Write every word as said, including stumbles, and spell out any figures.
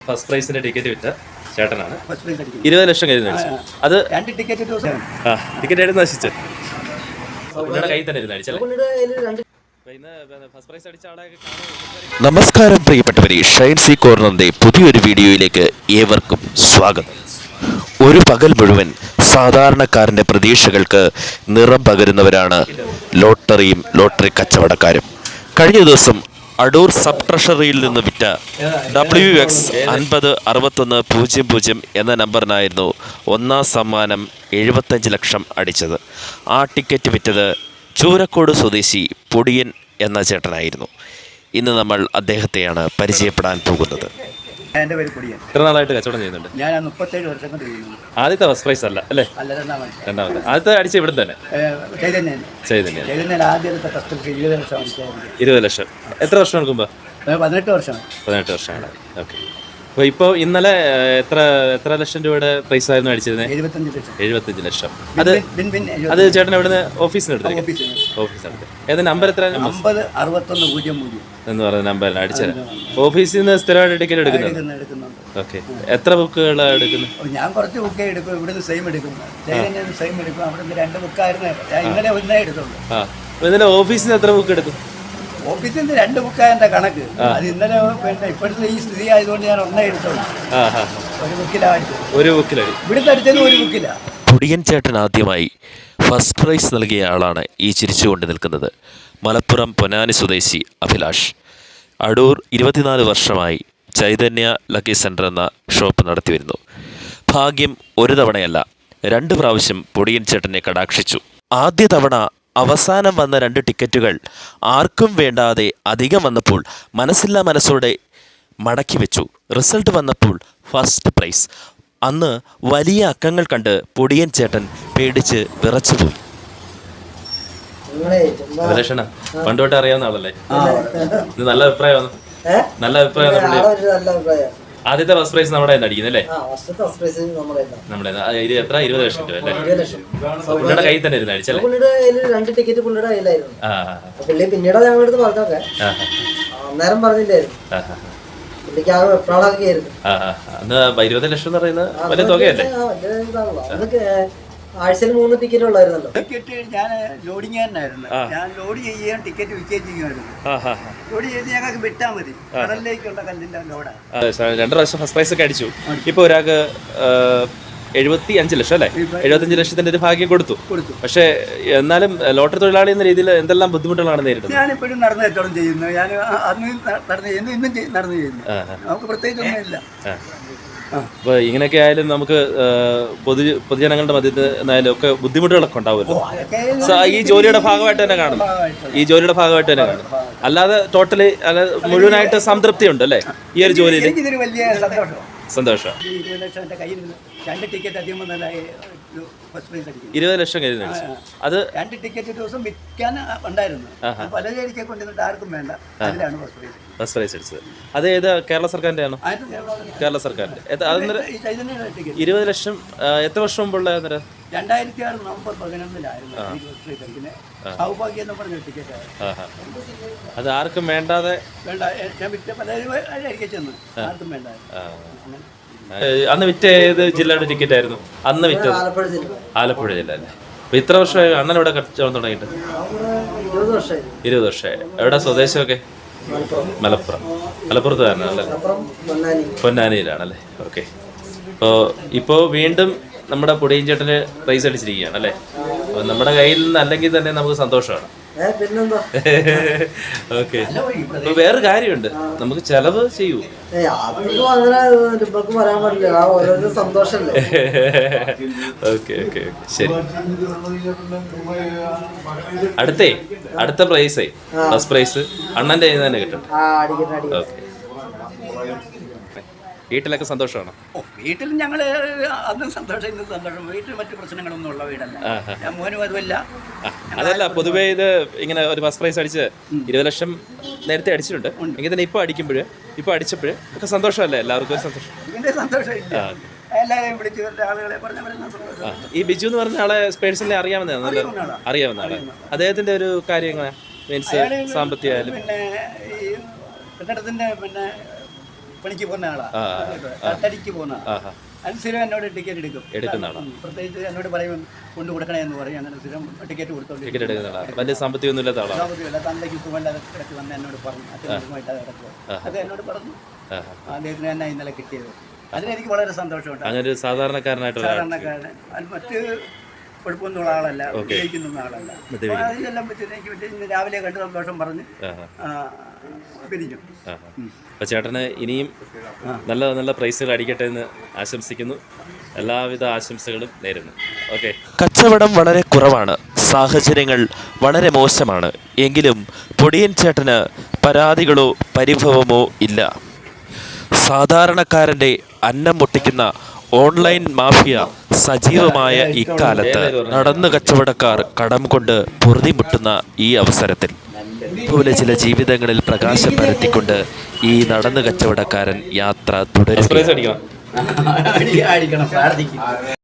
First പ്രൈസിന്റെ ticket വിറ്റ ചേട്ടനാണ്. ഇരുപത് ലക്ഷം കയ്യിൽ നിന്ന് അടിച്ചു. അത് രണ്ട് ടിക്കറ്റ് ആ ടിക്കറ്റ് ആയിട്ട് നശിച്ചു. പുള്ളിയുടെ കയ്യിൽ തന്നെ ഇരുന്ന് അടിച്ചല്ലേ. നമസ്കാരം പ്രിയപ്പെട്ടവരെ, ഷൈൻ സി കോർണറിന്റെ പുതിയൊരു വീഡിയോയിലേക്ക് ഏവർക്കും സ്വാഗതം. ഒരു പകൽ മുഴുവൻ സാധാരണക്കാരൻ്റെ പ്രതീക്ഷകൾക്ക് നിറം പകരുന്നവരാണ് ലോട്ടറിയും ലോട്ടറി കച്ചവടക്കാരും. കഴിഞ്ഞ ദിവസം അടൂർ സബ് ട്രഷറിയിൽ നിന്ന് വിറ്റ ഡബ്ല്യു എക്സ് അൻപത് അറുപത്തൊന്ന് പൂജ്യം പൂജ്യം എന്ന നമ്പറിനായിരുന്നു ഒന്നാം സമ്മാനം എഴുപത്തഞ്ച് ലക്ഷം അടിച്ചത്. ആ ടിക്കറ്റ് വിറ്റത് ചൂരക്കോട് സ്വദേശി പൊടിയൻ എന്ന ചേട്ടനായിരുന്നു. ഇന്ന് നമ്മൾ അദ്ദേഹത്തെയാണ് പരിചയപ്പെടാൻ പോകുന്നത്. എൻ്റെ പേര് പൊടിയൻ. എത്ര നാളായിട്ട് കച്ചവടം ചെയ്യുന്നുണ്ട്? ഞാൻ മുപ്പത്തേഴ് വർഷം കൊണ്ട് ചെയ്യുന്നു. ആദ്യത്തെ ഫസ്റ്റ് പ്രൈസ് അല്ല അല്ലേ? അല്ല, രണ്ടാമത്. രണ്ടാമത്തെ. ആദ്യത്തെ അടിച്ച ഇവിടെ തന്നെ ചൈതന്യൻ. ചൈതന്യൻ ചൈതന്യൻ ആദ്യത്തെ ഫസ്റ്റ് ഇരുപത് ലക്ഷം അടിച്ചായിരുന്നു. ഇരുപത് ലക്ഷം. എത്ര വർഷം എടുക്കുമ്പോൾ? പതിനെട്ട് വർഷം. പതിനെട്ട് വർഷമാണ്. ഓക്കെ. അപ്പോൾ ഇപ്പോൾ ഇന്നലെ എത്ര എത്ര ലക്ഷം രൂപയുടെ പ്രൈസ് ആയിരുന്നു അടിച്ചിരുന്നത്? എഴുപത്തഞ്ച് ലക്ഷം. എഴുപത്തഞ്ച് ലക്ഷം. അത് അത് ചേട്ടൻ എവിടുന്ന് ഓഫീസിന് എടുത്തത്? ഓഫീസിനടുത്ത്. ഏത് നമ്പർ എത്ര? അമ്പത് അറുപത്തൊന്ന് പൂജ്യം പൂജ്യം എന്ന് പറയുന്ന നമ്പറിൽ അടിച്ചത്. ഓഫീസിൽ നിന്ന് സ്ഥിരമായിട്ട് ടിക്കറ്റ് എടുക്കുന്നത്? ഓക്കെ. എത്ര ബുക്കുകളാണ് എടുക്കുന്നത്? ഞാൻ കുറച്ച് ബുക്കേ എടുക്കും. ഇവിടുന്ന് സെയിം എടുക്കും, ചൈതന്യൻ സെയിം എടുക്കും. അവിടെ നിന്ന് രണ്ട് ബുക്കായിരുന്നു. ഇന്നലെ ഒന്നേ എടുത്തുള്ളൂ. ആ, ഇതിന്റെ ഓഫീസിൽ നിന്ന് എത്ര ബുക്ക് എടുക്കും? ഓഫീസിൽ നിന്ന് രണ്ട് ബുക്കായതിന്റെ കണക്ക്. അത് ഇന്നലെ പിന്നെ ഇപ്പോഴത്തെ ഈ സ്ഥിതി ആയതുകൊണ്ട് ഞാൻ ഒന്നേ എടുത്തോളൂ. ഒരു ബുക്കിലാണ് ഒരു ബുക്കിലാണ് ഇവിടുത്തെ അടിച്ചത്. ഒരു ബുക്കില്ല. പൊടിയൻ ചേട്ടൻ ആദ്യമായി ഫസ്റ്റ് പ്രൈസ് നൽകിയ ആളാണ് ഈ ചിരിച്ചുകൊണ്ട് നിൽക്കുന്നത്. മലപ്പുറം പൊന്നാനി സ്വദേശി അഭിലാഷ്. അടൂർ ഇരുപത്തിനാല് വർഷമായി ചൈതന്യ ലക്കി സെൻ്റർ എന്ന ഷോപ്പ് നടത്തി വരുന്നു. ഭാഗ്യം ഒരു തവണയല്ല, രണ്ട് പ്രാവശ്യം പൊടിയൻ ചേട്ടനെ കടാക്ഷിച്ചു. ആദ്യ തവണ അവസാനം വന്ന രണ്ട് ടിക്കറ്റുകൾ ആർക്കും വേണ്ടാതെ അധികം വന്നപ്പോൾ മനസ്സില്ലാ മനസ്സോടെ മടക്കി വെച്ചു. റിസൾട്ട് വന്നപ്പോൾ ഫസ്റ്റ് പ്രൈസ്. അന്ന് വലിയ അക്കങ്ങൾ കണ്ട് പൊടിയൻ ചേട്ടൻ പേടിച്ച് വിറച്ചുപോയി. പണ്ടോട്ട് അറിയാവുന്ന ആളല്ലേ? നല്ല അഭിപ്രായമാണ്. നല്ല അഭിപ്രായം. ആദ്യത്തെ ഫസ്റ്റ് പ്രൈസ് നമ്മുടെ തന്നെ അടിക്കുന്നല്ലേ? നമ്മുടെ എത്ര? ഇരുപത് ലക്ഷം രൂപ അല്ലേ? പുള്ളിയുടെ കയ്യിൽ തന്നെ ഇരുന്ന് അടിച്ചല്ലേ? രണ്ട് ടിക്കറ്റ് പുള്ളിയുടെ കയ്യിലായിരുന്നു. പുള്ളി പിന്നീട് ഞങ്ങളുടെ അടുത്ത് പറഞ്ഞൊക്കെ അന്നേരം പറഞ്ഞില്ലായിരുന്നു. പുള്ളിക്ക് ആ വെപ്രാളൊക്കെ ആയിരുന്നു. അന്ന് ഇരുപത് ലക്ഷം എന്ന് പറയുന്നത് വലിയ തുകയല്ലേ? ആഴ്ചയിൽ മൂന്ന് ടിക്കറ്റ് ഉള്ളായിരുന്നല്ലോ. ടിക്കറ്റ് ഞാൻ ലോഡിങ് തന്നെയായിരുന്നു. ഞാൻ ലോഡ് ചെയ്യാൻ ടിക്കറ്റ് വിൽക്കുകയും ചെയ്യുമായിരുന്നു. ലോഡ് ചെയ്ത് ഞങ്ങൾക്ക് വിട്ടാൽ മതി. കടലിലേക്കുള്ള കല്ലിൻ്റെ ലോഡാണ്. രണ്ട് പ്രാവശ്യം ഫസ്റ്റ് പ്രൈസ് ഒക്കെ അടിച്ചു. ഇപ്പോൾ ഒരാൾക്ക് എഴുപത്തി അഞ്ച് ലക്ഷം അല്ലേ? എഴുപത്തഞ്ച് ലക്ഷത്തിന്റെ ഒരു ഭാഗ്യം കൊടുത്തു. പക്ഷേ എന്നാലും ലോട്ടറി തൊഴിലാളി എന്ന രീതിയിൽ എന്തെല്ലാം ബുദ്ധിമുട്ടുകളാണ് നേരിടുന്നത്? ഞാനിപ്പോഴും നടന്നു കച്ചവടം ചെയ്യുന്നു. ഞാൻ അന്ന് നടന്നു ചെയ്യുന്നു, ഇന്നും നടന്നു ചെയ്യുന്നു. നമുക്ക് പ്രത്യേകിച്ച് ഒന്നുമില്ല. അപ്പോൾ ഇങ്ങനെയൊക്കെ ആയാലും നമുക്ക് പൊതു പൊതുജനങ്ങളുടെ മധ്യത്തിൽ എന്നായാലും ഒക്കെ ബുദ്ധിമുട്ടുകളൊക്കെ ഉണ്ടാവുമല്ലോ. ഈ ജോലിയുടെ ഭാഗമായിട്ട് തന്നെ കാണുന്നു. ഈ ജോലിയുടെ ഭാഗമായിട്ട് തന്നെ കാണുന്നു. അല്ലാതെ ടോട്ടലി അല്ല മുഴുവനായിട്ട് സംതൃപ്തി ഉണ്ട് അല്ലേ ഈ ഒരു ജോലിയിൽ? വലിയ സന്തോഷം. സന്തോഷം. രണ്ട് ടിക്കറ്റ് അധികം ഇരുപത് ലക്ഷം കയ്യിൽ അടിച്ചു. അത് രണ്ട് ടിക്കറ്റ് ദിവസം വിൽക്കാൻ ഉണ്ടായിരുന്നു. പലചരക്കെ കൊണ്ടുവന്നിട്ട് ആർക്കും വേണ്ട. അതിലാണ് ഫസ്റ്റ് പ്രൈസ് അടിച്ചത്. അത് ഏത് കേരള സർക്കാരിന്റെ ആണോ? കേരള സർക്കാരിന്റെ. ഇരുപത് ലക്ഷം എത്ര വർഷം മുമ്പുള്ള? രണ്ടായിരത്തി ആറ് നവംബർ പതിനൊന്നിലായിരുന്നു സൗഭാഗ്യം എന്ന് പറഞ്ഞ ടിക്കറ്റ്. അത് ആർക്കും വേണ്ടാതെ വേണ്ട. ഞാൻ വിറ്റ പലചരക്കെ ചെന്ന് ആർക്കും വേണ്ട. അന്ന് വിറ്റ ഏത് ജില്ലയുടെ ടിക്കറ്റ് ആയിരുന്നു അന്ന് വിറ്റത്? ആലപ്പുഴ ജില്ല അല്ലേ? അപ്പൊ ഇത്ര വർഷമായി അണ്ണൻ ഇവിടെ കച്ചവടം തുടങ്ങിയിട്ട്? ഇരുപത് വർഷമായി. എവിടെ സ്വദേശമൊക്കെ? മലപ്പുറം. മലപ്പുറത്ത് തന്നെ അല്ലേ? പൊന്നാനിയിലാണല്ലേ? ഓക്കെ. അപ്പോൾ ഇപ്പോൾ വീണ്ടും നമ്മുടെ പൊടിയൻ ചേട്ടന് പ്രൈസ് അടിച്ചിരിക്കുകയാണ് അല്ലേ? അപ്പോൾ നമ്മുടെ കയ്യിൽ നിന്ന് അല്ലെങ്കിൽ തന്നെ നമുക്ക് സന്തോഷമാണ്. ഓക്കെ. അപ്പൊ വേറൊരു കാര്യമുണ്ട്, നമുക്ക് ചെലവ് ചെയ്യൂ. ഓക്കെ ഓക്കെ ശരി. അടുത്തേ അടുത്ത പ്രൈസേ ഫസ്റ്റ് പ്രൈസ് അണ്ണന്റെ കയ്യിൽ തന്നെ കിട്ടും. ഓക്കെ. വീട്ടിലൊക്കെ സന്തോഷമാണോ? ഓ, വീട്ടിൽ ഞങ്ങൾ അന്നും സന്തോഷം ഇന്നും സന്തോഷം. വീട്ടിൽ മറ്റു പ്രശ്നങ്ങളൊന്നും ഉള്ള വീടല്ല. ഞാൻ മോനും അതുമല്ല. അതല്ല, പൊതുവേ ഇത് ഇങ്ങനെ ഒരു ഫസ്റ്റ് പ്രൈസ് അടിച്ച് ഇരുപത് ലക്ഷം നേരത്തെ അടിച്ചിട്ടുണ്ട് എങ്കിൽ തന്നെ ഇപ്പോൾ അടിക്കുമ്പോഴ് ഇപ്പോൾ അടിച്ചപ്പോഴ് ഒക്കെ സന്തോഷമല്ലേ? എല്ലാവർക്കും ഒരു സന്തോഷം. ഇതിന്റെ സന്തോഷം എല്ലാവരെയും വിളിച്ചു ആളുകളെ പറഞ്ഞ. ഈ ബിജു എന്ന് പറഞ്ഞ ആളെ പേഴ്സണലി അറിയാവുന്നതാണ്? അറിയാവുന്ന ആളെ. അദ്ദേഹത്തിന്റെ ഒരു കാര്യങ്ങൾ മീൻസ് സാമ്പത്തികമായാലും പിന്നെ ഈ കെട്ടിടത്തിന്റെ പിന്നെ പണിക്ക് പോകുന്ന ആ, ആളാണ്, തട്ടടിക്ക് പോകുന്ന ആ ആളാണ്. അത് സ്ഥിരം എന്നോട് ടിക്കറ്റ് എടുക്കും. എടുക്കുന്ന ആളാണ്. ഉം. പ്രത്യേകിച്ച് എന്നോട് പറയും കൊണ്ട് കൊടുക്കണേ എന്ന് പറയും. അങ്ങനെ സ്ഥിരം ടിക്കറ്റ് കൊടുത്തോണ്ട് ടിക്കറ്റ് എടുക്കുന്ന ആളാണ്. വലിയ സാമ്പത്തികമൊന്നും ഇല്ലാത്ത ആളാണ്. സാമ്പത്തികമല്ല, തന്തയ്ക്ക് സുഖമല്ലാതെ കിടക്ക് വന്ന് എന്നോട് പറഞ്ഞു, അച്ഛനുമായിട്ട് കിടക്കുക. അത് എന്നോട് പറഞ്ഞു. അദ്ദേഹത്തിന് തന്നെ ഇന്നലെ കിട്ടിയത്. അതിനെനിക്ക് വളരെ സന്തോഷമുണ്ട്. അങ്ങനെ ഒരു സാധാരണക്കാരനായിട്ടുള്ള ആൾ. സാധാരണക്കാരൻ അത് മറ്റ് കുഴപ്പമൊന്നുള്ള ആളല്ല, ഉപയോഗിക്കുന്ന ആളല്ല. അപ്പോൾ അതിലെല്ലാം പറ്റി എനിക്ക് പറ്റി ഇന്ന് രാവിലെ കണ്ട് സന്തോഷം പറഞ്ഞ് ആ, പിരിഞ്ഞു. അപ്പോൾ ചേട്ടന് ഇനിയും നല്ല നല്ല പ്രൈസുകൾ അടിക്കട്ടെ എന്ന് ആശംസിക്കുന്നു. എല്ലാവിധ ആശംസകളും നേരുന്നു. ഓക്കെ. കച്ചവടം വളരെ കുറവാണ്, സാഹചര്യങ്ങൾ വളരെ മോശമാണ്. എങ്കിലും പൊടിയൻ ചേട്ടന് പരാതികളോ പരിഭവമോ ഇല്ല. സാധാരണക്കാരൻ്റെ അന്നം മുട്ടിക്കുന്ന ഓൺലൈൻ മാഫിയ സജീവമായ ഇക്കാലത്ത് നടന്നു കച്ചവടക്കാർ കടം കൊണ്ട് പൊറുതിമുട്ടുന്ന ഈ അവസരത്തിൽ പോലെ ചില ജീവിതങ്ങളിൽ പ്രകാശം പരത്തിക്കൊണ്ട് ഈ നടന്നു കച്ചവടക്കാരൻ യാത്ര തുടരും. അടിക്കണം. അടിക്കണം, പ്രാർത്ഥിക്കും.